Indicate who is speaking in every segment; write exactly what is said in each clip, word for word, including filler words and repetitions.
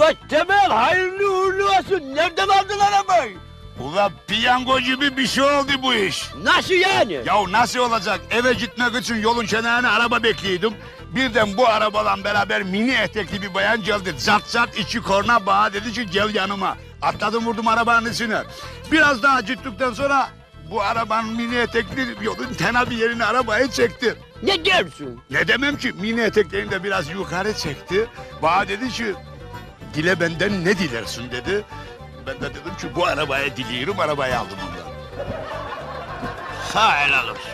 Speaker 1: Ula Temel hayırlı uğurlu olsun. Nereden aldın arabayı?
Speaker 2: Ula piyango gibi bir şey oldu bu iş.
Speaker 1: Nasıl yani?
Speaker 2: Ya nasıl olacak? Eve gitmek için yolun kenarına araba bekliyordum. Birden bu arabayla beraber mini etekli bir bayan geldi. Zat zat içi korna bağa dedi ki gel yanıma. Atladım vurdum arabanın içine. Biraz daha gittikten sonra bu arabanın mini etekli yolun tena bir yerine arabayı çekti.
Speaker 1: Ne diyorsun?
Speaker 2: Ne demem ki mini eteklerini de biraz yukarı çekti. Bana dedi ki dile benden ne dilersin dedi. Ben de dedim ki bu arabaya diliyorum, arabayı aldım ondan.
Speaker 1: Sağ helal olsun.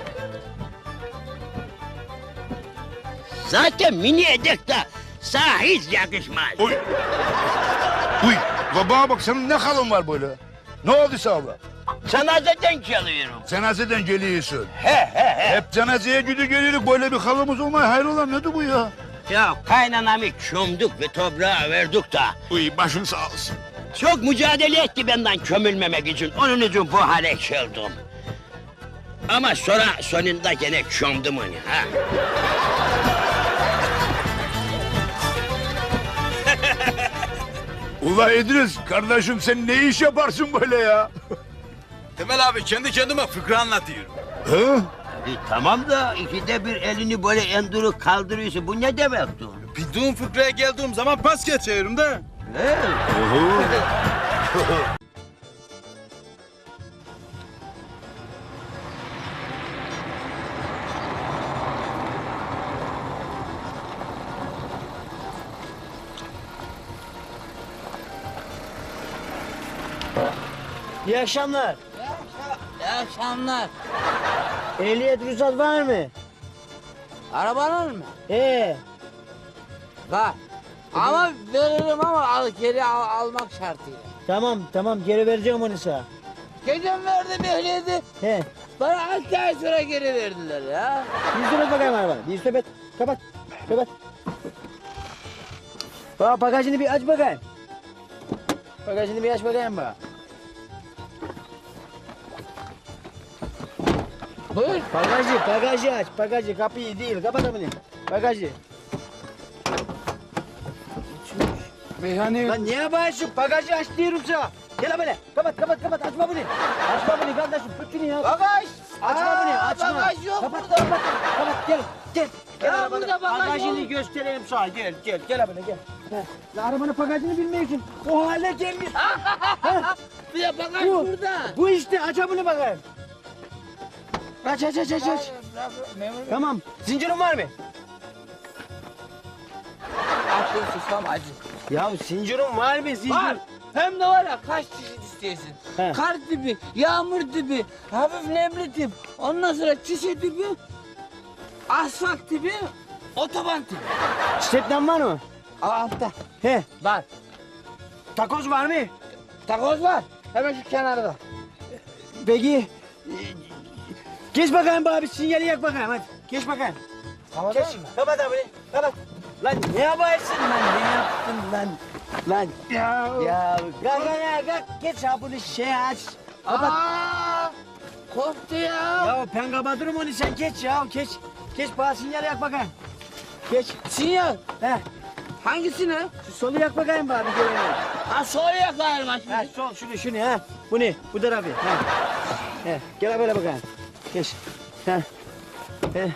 Speaker 1: Zaten mini edek de sana hiç yakışmaz.
Speaker 2: Uy! Uy! Ulan bana bak senin ne halın var böyle? Ne oldu sana?
Speaker 1: Cenazeden geliyorum.
Speaker 2: Cenazeden geliyorsun.
Speaker 1: He he he.
Speaker 2: Hep cenazeye gidiyor geliyoruz böyle bir halımız olmaya hayrola nedir bu ya?
Speaker 1: Ya kaynanamı çömdük ve toprağa verdik da.
Speaker 2: Uy başın sağ olsun.
Speaker 1: Çok mücadele etti benden kömülmemek için. Onun için bu hale geldim. Ama sonra sonunda gene çömdüm onu ha.
Speaker 2: Ula İdris kardeşim sen ne iş yaparsın böyle ya?
Speaker 3: Temel abi kendi kendime fıkra anlatıyorum.
Speaker 2: He?
Speaker 1: E, tamam da ikide bir elini böyle enduruk kaldırıyorsun. Bu ne demektir?
Speaker 3: Bildiğim fıkraya geldiğim zaman pas geçiyorum da.
Speaker 1: He?
Speaker 4: İyi akşamlar.
Speaker 5: İyi akşamlar.
Speaker 4: Ehliyet ruhsat var mı?
Speaker 5: Arabanın mı?
Speaker 4: Ee,
Speaker 5: Var. Ama veririm ama al, geri al, almak şartıyla.
Speaker 4: tamam tamam geri vereceğim onu sana.
Speaker 5: Geçen verdim ehliyeti.
Speaker 4: He.
Speaker 5: Bana altı ay sonra geri verdiler ya.
Speaker 4: Bir üstübet bakayım arabana. Bir üstübet. Kapat. Kapat. Bak bagajını bir aç bakayım. Bagajını bir aç bakayım bak.
Speaker 5: Buyur.
Speaker 4: Bagajı, bagajı aç. Bagajı, kapıyı değil. Kapat bunu. Bagajı.
Speaker 5: Meyhane
Speaker 4: Lan niye yapıyorsun? Bagajı aç diyorum sana. Gel böyle. Kapat, kapat, kapat. Açma bunu. Açma bunu kardeşim. Tut şunu ya.
Speaker 5: Bagaj.
Speaker 4: Açma
Speaker 5: Aa,
Speaker 4: bunu, açma.
Speaker 5: bagaj yok
Speaker 4: kapat,
Speaker 5: burada.
Speaker 4: Kapat, kapat, gel, gel. Gel
Speaker 5: Ya
Speaker 4: arabana.
Speaker 5: burada bagaj
Speaker 4: Bagajını
Speaker 5: yok.
Speaker 4: göstereyim sana, gel, gel, gel arabana, gel. Heh. La arabanın bagajını bilmiyorsun. O hale gelmiş.
Speaker 5: Bir de bagaj
Speaker 4: Bu,
Speaker 5: burada.
Speaker 4: bu işte, aç bunu bakayım. Aç, aç, aç, aç, aç.
Speaker 5: Memur bey.
Speaker 4: Tamam, zincirin var mı?
Speaker 5: Aklım susam acı.
Speaker 4: Ya zincirin var mı, zincir?
Speaker 5: Var. Hem de var ya kaç çeşit istiyorsun.
Speaker 4: He.
Speaker 5: Kar tipi, yağmur tipi, hafif nemli tip. Ondan sonra çişe tipi, asfalt tipi, otoban tipi.
Speaker 4: Stepten var mı?
Speaker 5: Aa, altta.
Speaker 4: He.
Speaker 5: Var.
Speaker 4: Takoz var mı?
Speaker 5: Takoz var. Hemen şu kenarda.
Speaker 4: Peki, e, geç bakayım abi, sinyali yak bakayım hadi. Geç bakayım.
Speaker 5: Tamam
Speaker 4: Geç, kapat abi, kapat. Lan ne yaparsın lan, ne yaptın lan? Lan
Speaker 5: Ya.
Speaker 4: ya kalk ya kalk, geç ha bunu şey aç. Kapat.
Speaker 5: Aa, korktu ya.
Speaker 4: Ya ben kapatırım onu, sen geç ya, geç. Geç bana sinyali yak bakayım. Geç.
Speaker 5: Sinyal.
Speaker 4: He,
Speaker 5: Hangisini?
Speaker 4: şu solu yak bakayım bari bir kere.
Speaker 5: Ha sola yakayım ha
Speaker 4: Ha
Speaker 5: şimdi.
Speaker 4: sol, şunu şunu ha. Bu ne? Bu tarafı. Ha. He, gel böyle bakayım. Geç. He. He.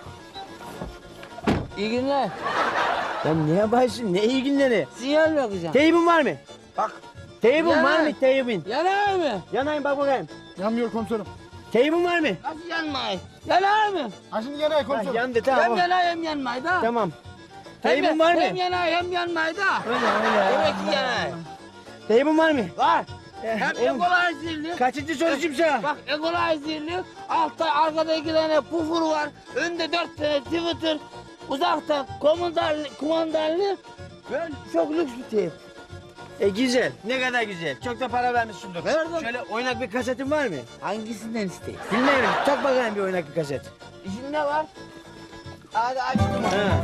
Speaker 5: İyi günler.
Speaker 4: Lan ne yaparsın? Ne iyi günleri?
Speaker 5: Sinyal yakacağım.
Speaker 4: Teybin var mı?
Speaker 5: Bak.
Speaker 4: Teybin
Speaker 5: Yanar.
Speaker 4: var mı? Teybin.
Speaker 5: Yanar mı?
Speaker 4: Yanayım bak bakayım.
Speaker 6: Yanmıyor komiserim.
Speaker 4: Teybin var mı?
Speaker 5: Nasıl yanmayı? Yanar mı?
Speaker 6: Ha şimdi yanıyor
Speaker 4: Ha,
Speaker 6: komiserim.
Speaker 4: yandı
Speaker 5: Hem
Speaker 4: tamam.
Speaker 5: yanar hem yanmayı da.
Speaker 4: Tamam.
Speaker 5: Hem-
Speaker 4: Teybin var mı?
Speaker 5: Hem yanar hem yanmayı da.
Speaker 4: Öyle öyle.
Speaker 5: Demek ki yanar.
Speaker 4: Teybin var mı?
Speaker 5: Var.
Speaker 4: Eh,
Speaker 5: Hem
Speaker 4: oğlum,
Speaker 5: equalizer'li.
Speaker 4: kaçıncı soruşum sana?
Speaker 5: Bak equalizer'li. Altta arkada iki tane pufur var. Önde dört tane Twitter. Uzakta kumandarlı, kumandarlı. Böyle çok lüks bir teyp.
Speaker 4: E güzel. Ne kadar güzel. Çok da para vermişsindir.
Speaker 5: Verdim.
Speaker 4: Şöyle oynak bir kasetin var mı?
Speaker 5: Hangisinden isteyeyim?
Speaker 4: Bilmiyorum. Tak bakayım bir oynak bir kaset.
Speaker 5: İçinde var. Hadi açtım.
Speaker 4: Ha.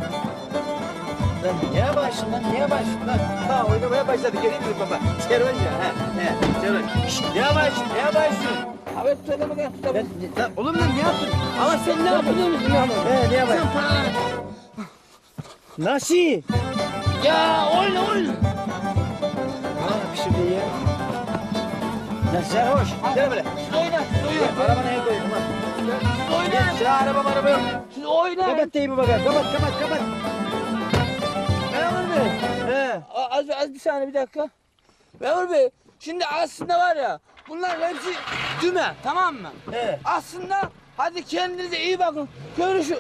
Speaker 4: Lan niye başladın lan? Niye başladın lan? Ha oynamaya başladı. Göreyim mi baba? Servan ya. Ha, he. Servan. Şşt, niye başladın? Niye başladın?
Speaker 5: Abi söyle bakayım.
Speaker 4: Ben, lan, oğlum lan ne yaptın?
Speaker 5: Ama sen ne yaptın biliyor musun?
Speaker 4: He niye başladın?
Speaker 5: Sen paraları...
Speaker 4: Nasıl?
Speaker 5: Ya oyna oyna.
Speaker 4: iyi ya. Ya sarhoş. Gel böyle.
Speaker 5: Siz oynayın, siz oynayın.
Speaker 4: Araba neye koydum lan?
Speaker 5: Siz oynayın.
Speaker 4: Sıra araba araba yok.
Speaker 5: Siz oynayın.
Speaker 4: Kapat teybi bakalım. Kapat kapat kapat.
Speaker 5: Memur Bey.
Speaker 4: He.
Speaker 5: A- Az, az bir saniye bir dakika. Memur Bey, şimdi aslında var ya, bunlar hepsi düme, tamam mı?
Speaker 4: He.
Speaker 5: Aslında, hadi kendinize iyi bakın. Görüşürüz.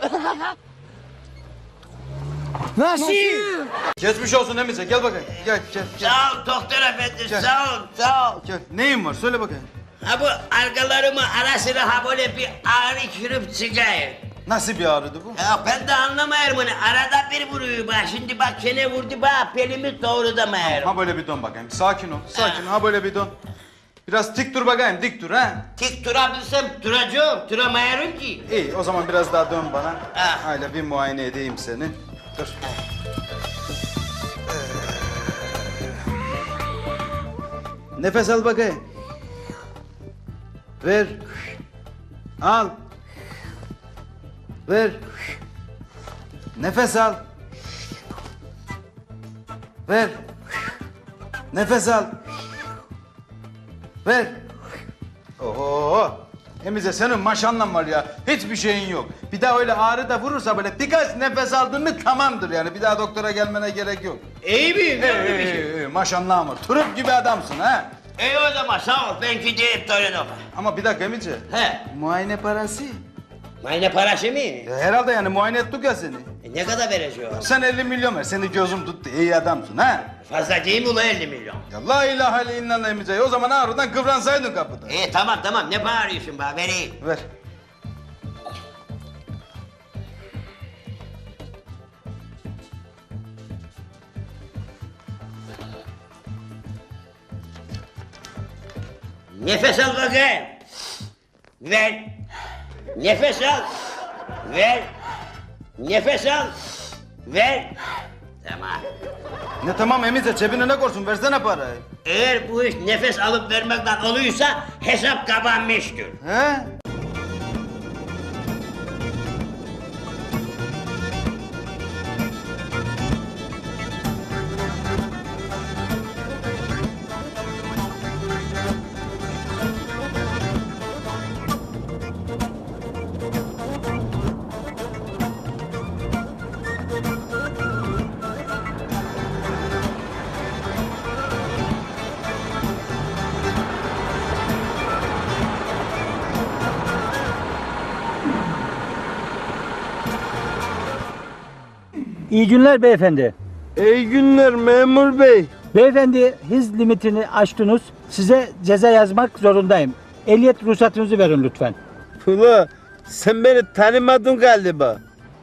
Speaker 4: Nasıl?
Speaker 3: Geçmiş olsun Emice gel bakayım. Gel gel gel.
Speaker 1: Sağ ol doktor efendi,
Speaker 3: Gel.
Speaker 1: sağ ol, sağ ol.
Speaker 3: Gel. Neyin var söyle bakayım.
Speaker 1: Ha bu arkalarımı ara sıra ha böyle bir ağrı kürüp çıkıyor.
Speaker 3: Nasıl bir ağrıdı bu?
Speaker 1: Ya ben de anlamayarım onu. Arada bir vuruyor bak. Şimdi bak çene vurdu bak. Pelimi doğrudamayarım.
Speaker 3: Ha böyle bir dön bakayım. Sakin ol. Sakin ol. Ha böyle bir dön. Biraz dik dur bakayım. Dik dur ha.
Speaker 1: Tik durabilsem duracağım. Duramayarım ki.
Speaker 3: İyi o zaman biraz daha dön bana.
Speaker 1: Ha.
Speaker 3: Öyle bir muayene edeyim seni. Dur. Nefes al bakayım. Ver. Al. Ver. Nefes al. Ver. Nefes al. Ver. Oho. Emize senin maşallah var ya. Hiçbir şeyin yok. Bir daha öyle ağrı da vurursa böyle birkaç nefes aldın mı tamamdır yani. Bir daha doktora gelmene gerek yok.
Speaker 1: İyi miyim?
Speaker 3: Ee,
Speaker 1: Yok mu bir şey?
Speaker 3: ee, ee, maşallah var. Turp gibi adamsın ha.
Speaker 1: İyi o zaman sağ ol. Ben gideyim Torino'ma.
Speaker 3: Ama bir dakika Emice.
Speaker 1: He.
Speaker 3: Muayene parası.
Speaker 1: Mayne parası mı?
Speaker 3: Ya herhalde yani muayene ettik ya seni.
Speaker 1: E ne kadar vereceğim?
Speaker 3: Sen elli milyon ver. Seni gözüm tuttu. İyi adamsın ha.
Speaker 1: Fazla değil mi ulan elli milyon?
Speaker 3: Ya la ilahe illallah Emice. O zaman ağrıdan kıvransaydın kapıda.
Speaker 1: İyi tamam tamam. Ne bağırıyorsun bana? Vereyim.
Speaker 3: Ver.
Speaker 1: Nefes al bakayım. Ver. Nefes al. Ver. Nefes al. Ver. Tamam.
Speaker 3: Ne tamam Emice cebine ne korsun versene parayı.
Speaker 1: Eğer bu iş nefes alıp vermekten oluyorsa hesap kapanmıştır.
Speaker 3: He?
Speaker 6: İyi günler beyefendi.
Speaker 7: İyi günler memur bey.
Speaker 6: Beyefendi hız limitini aştınız. Size ceza yazmak zorundayım. Ehliyet ruhsatınızı verin lütfen.
Speaker 7: Ula sen beni tanımadın galiba.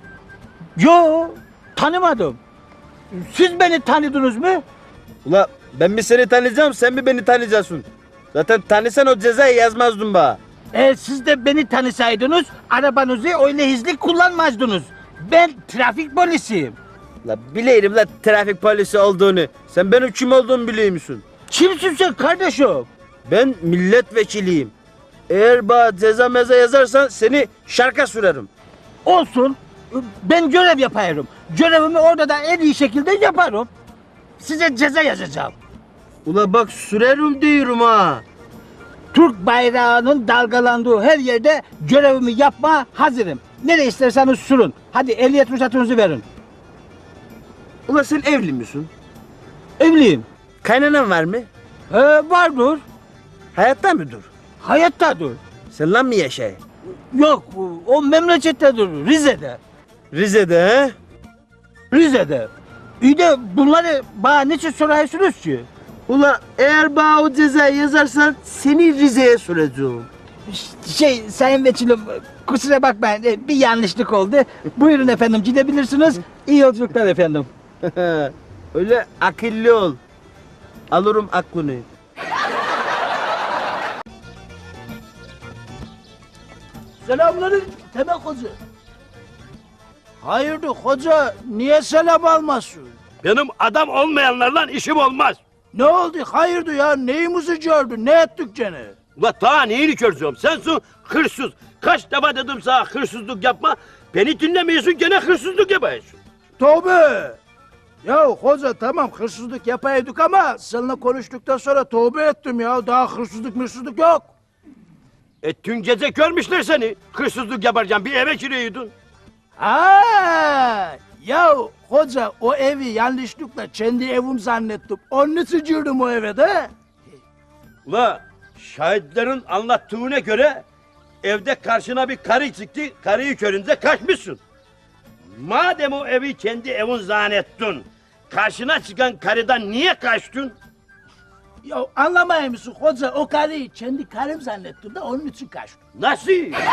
Speaker 6: Yo, tanımadım. Siz beni tanıdınız mı?
Speaker 7: Ula ben mi seni tanıyacağım sen mi beni tanıyacaksın? Zaten tanısan o cezayı yazmazdın bana.
Speaker 6: E, siz de beni tanısaydınız arabanızı öyle hızlı kullanmazdınız. Ben trafik polisiyim.
Speaker 7: La bileyim la trafik polisi olduğunu. Sen benim kim olduğumu biliyor musun?
Speaker 6: Kimsin sen kardeşim?
Speaker 7: Ben milletvekiliyim. Eğer bana ceza meza yazarsan seni şarka sürerim.
Speaker 6: Olsun. Ben görev yaparım. Görevimi orada da en iyi şekilde yaparım. Size ceza yazacağım.
Speaker 7: Ula bak sürerim diyorum ha.
Speaker 6: Türk bayrağının dalgalandığı her yerde görevimi yapma hazırım. Nereye isterseniz sürün. Hadi ehliyet ruhsatınızı verin.
Speaker 7: Ula sen evli misin?
Speaker 6: Evliyim.
Speaker 7: Kaynanan var mı?
Speaker 6: He, vardır.
Speaker 7: Hayatta mıdır?
Speaker 6: Hayattadır.
Speaker 7: Sen lan mı yaşay?
Speaker 6: Yok, o memlekettedir. Rize'de.
Speaker 7: Rize'de he?
Speaker 6: Rize'de. İyi de bunları bana niçin soruyorsunuz ki?
Speaker 7: Ula eğer bana o cezayı yazarsan seni Rize'ye süreceğim.
Speaker 6: Şey, sayın vekilim, kusura bakmayın, bir yanlışlık oldu. Buyurun efendim, gidebilirsiniz. İyi yolculuklar efendim.
Speaker 7: Öyle akıllı ol. Alırım aklını.
Speaker 6: Selamünaleyküm Temel Hoca. Hayırdır hoca, niye selam almazsın?
Speaker 8: Benim adam olmayanlarla işim olmaz.
Speaker 6: Ne oldu, hayırdır ya, neyimizi gördün, ne ettik gene?
Speaker 8: Ula daha neyini göreceğim? Sensin hırsız. Kaç defa dedim sana hırsızlık yapma. Beni dinlemiyorsun gene hırsızlık yapıyorsun.
Speaker 6: Tövbe! Ya hoca tamam hırsızlık yapaydık ama seninle konuştuktan sonra tövbe ettim ya. Daha hırsızlık mırsızlık yok.
Speaker 8: E dün gece görmüşler seni. Hırsızlık yaparken bir eve giriyordun.
Speaker 6: Aa, ya hoca o evi yanlışlıkla kendi evim zannettim. Onun için girdim o eve de.
Speaker 8: Ula şahitlerin anlattığına göre evde karşına bir karı çıktı. Karıyı görünce kaçmışsın. Madem o evi kendi evin zannettin, karşına çıkan karıdan niye kaçtın?
Speaker 6: Ya anlamayır mısın hoca o karıyı kendi karım zannettim de onun için kaçtım.
Speaker 8: Nasıl?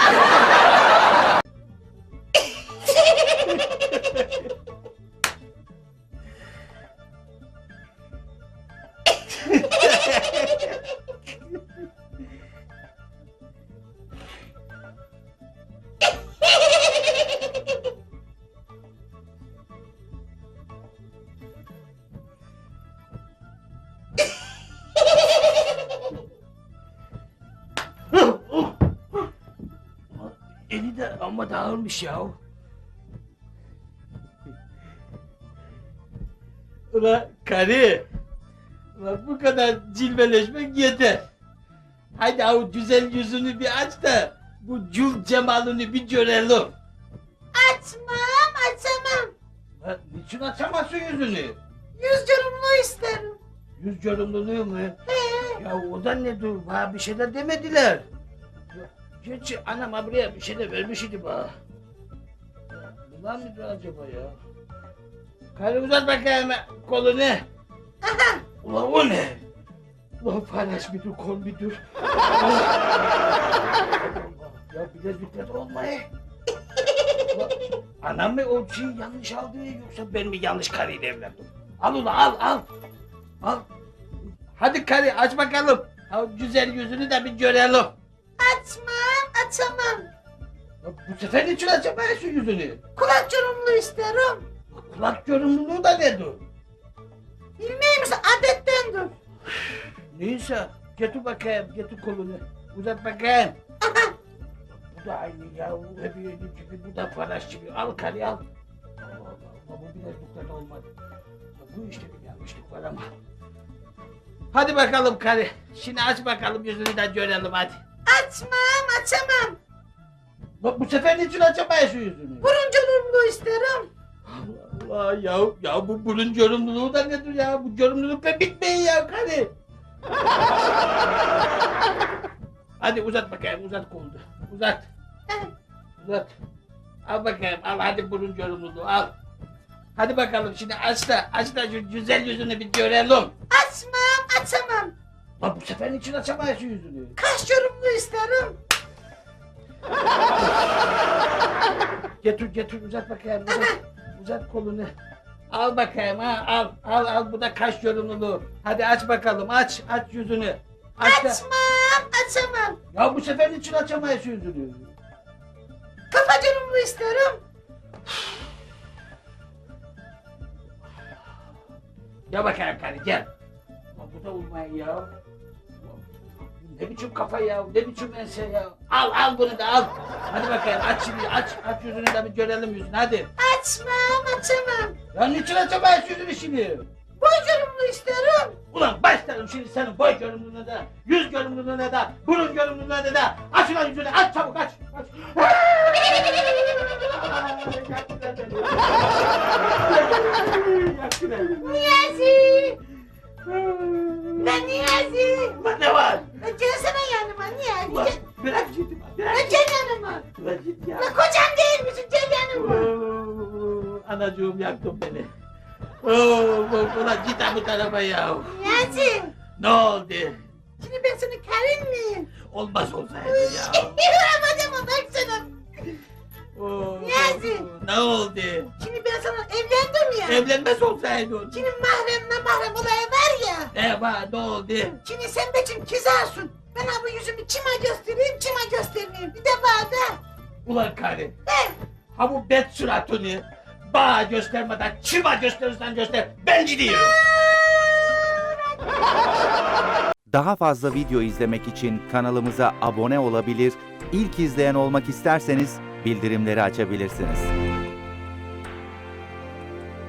Speaker 5: Eli de amma dağılmış ya.
Speaker 4: Ulan karı. Ulan bu kadar cilveleşmek yeter. Hadi o güzel yüzünü bir aç da bu cül cemalini bir görelim.
Speaker 9: Açmam, açamam.
Speaker 4: Lan niçin açamazsın yüzünü?
Speaker 9: Yüz yorumlu isterim.
Speaker 4: Yüz görümlülüğü mü?
Speaker 9: He.
Speaker 4: Ya o da ne dur? Bana bir şey de demediler. Gerçi anam buraya bir şey de vermiş idi bana. Bunlar mıydı acaba ya? Karı uzat bakayım kolunu.
Speaker 9: Aha,
Speaker 4: Ulan o ne? Ulan paylaş bir dur, kol bir dur. Ya bilezikler olmayı. Ulan, anam mı o şeyi yanlış aldı yoksa ben mi yanlış karıyla evlendim? Al ulan al al. Al. Hadi karı aç bakalım. Ha, güzel yüzünü de bir görelim.
Speaker 9: açmam, açamam.
Speaker 4: Ya, bu sefer niçin açamayasın yüzünü?
Speaker 9: Kulak yorumlu isterim.
Speaker 4: Kulak görünümlüğü da nedir?
Speaker 9: Bilmeyeyim misin, adettendir.
Speaker 4: Neyse getir bakayım getir kolunu. Uzat bakayım.
Speaker 9: Aha,
Speaker 4: Bu da aynı ya. Hep yedi gibi, bu da paraş gibi. Al karı al. Allah Allah, Allah bu bilezikler olmadı. Ya, bu işte bir yanlışlık var ama. Hadi bakalım karı. Şimdi aç bakalım yüzünü de görelim hadi.
Speaker 9: açmam, açamam.
Speaker 4: Bak bu sefer niçin açamayasın yüzünü?
Speaker 9: Burun yorumlu isterim.
Speaker 4: Allah Allah ya. Ya bu burun görümlülüğü da nedir ya? Bu görümlülükle bitmeyin ya karı. Hadi uzat bakayım uzat kolunu. Uzat.
Speaker 9: Eh,
Speaker 4: Uzat. Al bakayım al hadi burun görünümlüğü al. Hadi bakalım şimdi aç da aç da şu güzel yüzünü bir görelim.
Speaker 9: açmam, açamam.
Speaker 4: Lan bu sefer niçin açamayasın yüzünü?
Speaker 9: Kaş yorumlu isterim.
Speaker 4: Getir getir uzat bakayım uzat. Uzat kolunu. Al bakayım ha al al al bu da kaş yorumluluğu. Hadi aç bakalım aç aç yüzünü. Aç da.
Speaker 9: Açmam, açamam.
Speaker 4: Ya bu sefer niçin açamayasın yüzünü?
Speaker 9: Kafa yorumlu isterim.
Speaker 4: Gel bakayım karı gel. Lan bu da olmayın ya. Ne biçim kafa ya, ne biçim ense ya. Al al bunu da al. Hadi bakayım aç şimdi aç aç yüzünü de bir görelim yüzünü hadi.
Speaker 9: Açmam, açamam.
Speaker 4: Ya niçin açamayız yüzünü şimdi?
Speaker 9: Boy yorumlu isterim.
Speaker 4: Ulan başlarım şimdi senin boy görünümlüğüne de, yüz görünümlüğüne de, burun görünümlüğüne de. Aç ulan yüzünü aç çabuk aç. aç. Yaktılar beni. Yaktılar beni.
Speaker 9: Niyazi. Lan Niyazi.
Speaker 4: Ulan ne var?
Speaker 9: Ya gelsene yanıma Niyazi.
Speaker 4: Ulan
Speaker 9: Gel.
Speaker 4: bırak gittim.
Speaker 9: Ya
Speaker 4: Bırak
Speaker 9: gel yanıma.
Speaker 4: Bırak git ya.
Speaker 9: Ya kocam değil misin? Gel yanıma.
Speaker 4: Oo, anacığım yaktın beni. Oo, ulan git ha bu tarafa ya.
Speaker 9: Niyazi.
Speaker 4: Ne oldu?
Speaker 9: Şimdi ben senin karın mıyım?
Speaker 4: Olmaz olsaydı ya.
Speaker 9: Yapacağım baksana.
Speaker 4: Oo,
Speaker 9: Niyazi.
Speaker 4: ne oldu?
Speaker 9: Şimdi ben sana evlendim ya.
Speaker 4: Evlenmez olsaydın.
Speaker 9: Şimdi mahremle mahrem olayı var ya.
Speaker 4: Eva ne oldu?
Speaker 9: Şimdi sen benim kizarsın. Ben ha bu yüzümü kime göstereyim, kime göstermeyeyim. Bir de bana da.
Speaker 4: Ulan karı.
Speaker 9: Eh,
Speaker 4: Ha bu bet suratını bana göstermeden kime gösterirsen göster. Ben gidiyorum.
Speaker 10: Daha fazla video izlemek için kanalımıza abone olabilir, ilk izleyen olmak isterseniz bildirimleri açabilirsiniz.